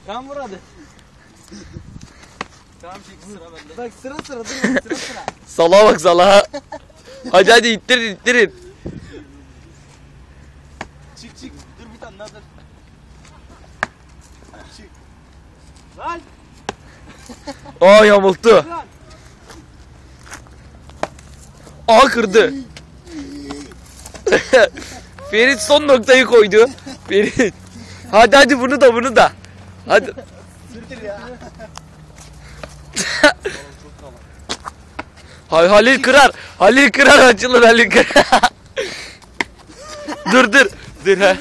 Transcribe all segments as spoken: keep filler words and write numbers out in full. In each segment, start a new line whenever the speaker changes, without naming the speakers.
Tamam vur hadi. Tamam çek sıra bende.
Bak sıra sıra dur sıra sıra.
Salağa bak salağa. Hadi hadi ittirin ittirin.
Çık çık. Dur bir tane daha dur. Çık. Lan.
Aa yamulttu.
Lan.
Aa kırdı. Ferit son noktayı koydu. Ferit. Hadi hadi bunu da bunu da. Hadi.
Sürtür ya.
Hay Halil kırar. Halil kırar açılır Halil kırar. dur dur. Dur ha.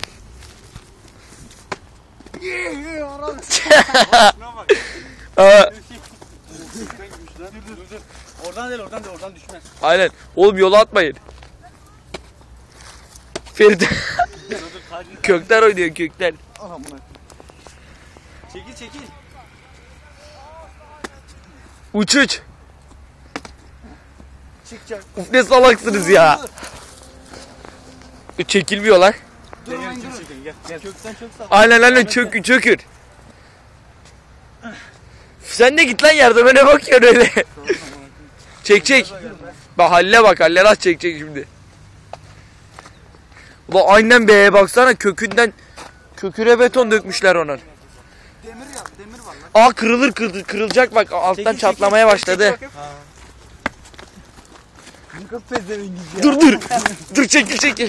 Şuna bak.
Aa,
Dur dur dur. Oradan değil oradan değil oradan düşmez.
aynen. Oğlum yola atmayın. Ferit.
Dur dur tacını.
Kökler oynuyor kökler.
Aha buna.
Çekil çekil.
Uç uç.
Çıkacak.
Uf ne salaksınız ya. Çekilmiyor lan.
Dur lan
Çekil,
dur.
çekil, gel gel.
Kökten çok sağ.
Aynen aynen çök, çökür. Sen de git lan yardıma ne bakıyorsun öyle. Çek çek. Bak Halil'e bak Halil'e nasıl çekecek şimdi. Ulan aynen be baksana kökünden köküne beton dökmüşler onun.
Demir yap demir var lan.
Aa kırılır kırılır kırılacak bak alttan
Çekil, çekil,
çatlamaya
çekil,
başladı.
çekil bakayım.
Yıkıl pezevengiz ya.
Dur dur. Dur çekil çekil.